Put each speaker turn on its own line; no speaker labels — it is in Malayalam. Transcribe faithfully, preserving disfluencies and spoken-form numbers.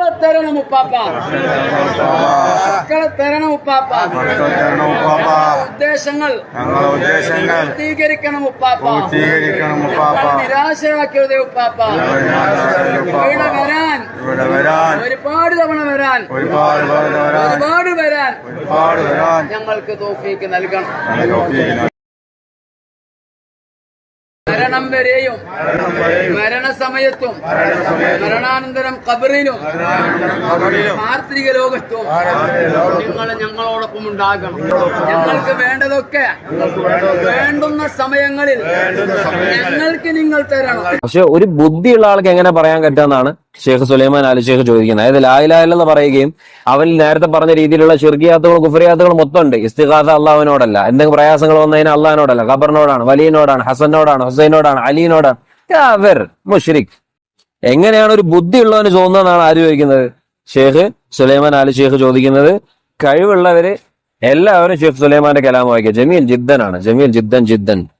മക്കളെ തരണം ഉപ്പാപ്പ, മക്കളെ തരണം ഉപ്പാപ്പ. ഉദ്ദേശങ്ങൾ പൂർത്തീകരിക്കണം ഉപ്പാപ്പ, നിരാശയാക്കരുതേ ഉപ്പാപ്പ. ഇവിടെ വരാൻ ഒരുപാട് തവണ വരാൻ ഒരുപാട് വരാൻ ഞങ്ങൾക്ക് തൗഫീക്ക് നൽകണം. മരണം വരെയും മരണസമയത്തും മരണാനന്തരം ഖബറിലും പാർത്ഥിക ലോകത്തും നിങ്ങൾ ഞങ്ങളോടൊപ്പം ഉണ്ടാകണം. ഞങ്ങൾക്ക് വേണ്ടതൊക്കെ വേണ്ടുന്ന സമയങ്ങളിൽ ഞങ്ങൾക്ക് നിങ്ങൾ തരണം.
പക്ഷെ ഒരു ബുദ്ധിയുള്ള ആൾക്ക് എങ്ങനെ പറയാൻ പറ്റാന്നാണ് ഷെയ്ഖ് സുലൈമാൻ ആലി ഷെയ്ഖ് ചോദിക്കുന്നത്. അതായത് ലാ ഇലാഹ ഇല്ലല്ലാഹ് പറയുകയും അവനിൽ നേരത്തെ പറഞ്ഞ രീതിയിലുള്ള ഷിർക്കിയാത്തുകളും കുഫ്രിയാത്തുകളും മൊത്തം ഉണ്ട്. ഇസ്തിഗാസ അള്ളാഹുവിനോടല്ല, എന്തെങ്കിലും പ്രയാസങ്ങൾ വന്നതിന് അള്ളാഹിനോടല്ല, ഖബറിനോടാണ്, വലിയനോടാണ്, ഹസനോടാണ്, ഹുസൈനോടാണ്, അലിനോടാണ്. കാഫിർ, മുശ്രിക്. എങ്ങനെയാണ് ഒരു ബുദ്ധിയുള്ളവന് തോന്നുന്നതെന്നാണ് ആര് ചോദിക്കുന്നത്? ഷെയ്ഖ് സുലൈമാൻ ആലി ഷെയ്ഖ് ചോദിക്കുന്നത്. കഴിവുള്ളവര് എല്ലാവരും ഷെയ്ഖ് സുലൈമാന്റെ കലാം വായിക്കുക. ജമീൽ ജിദ്ദൻ ആണ്, ജമീൽ ജിദ്ദൻ ജിദ്ദൻ.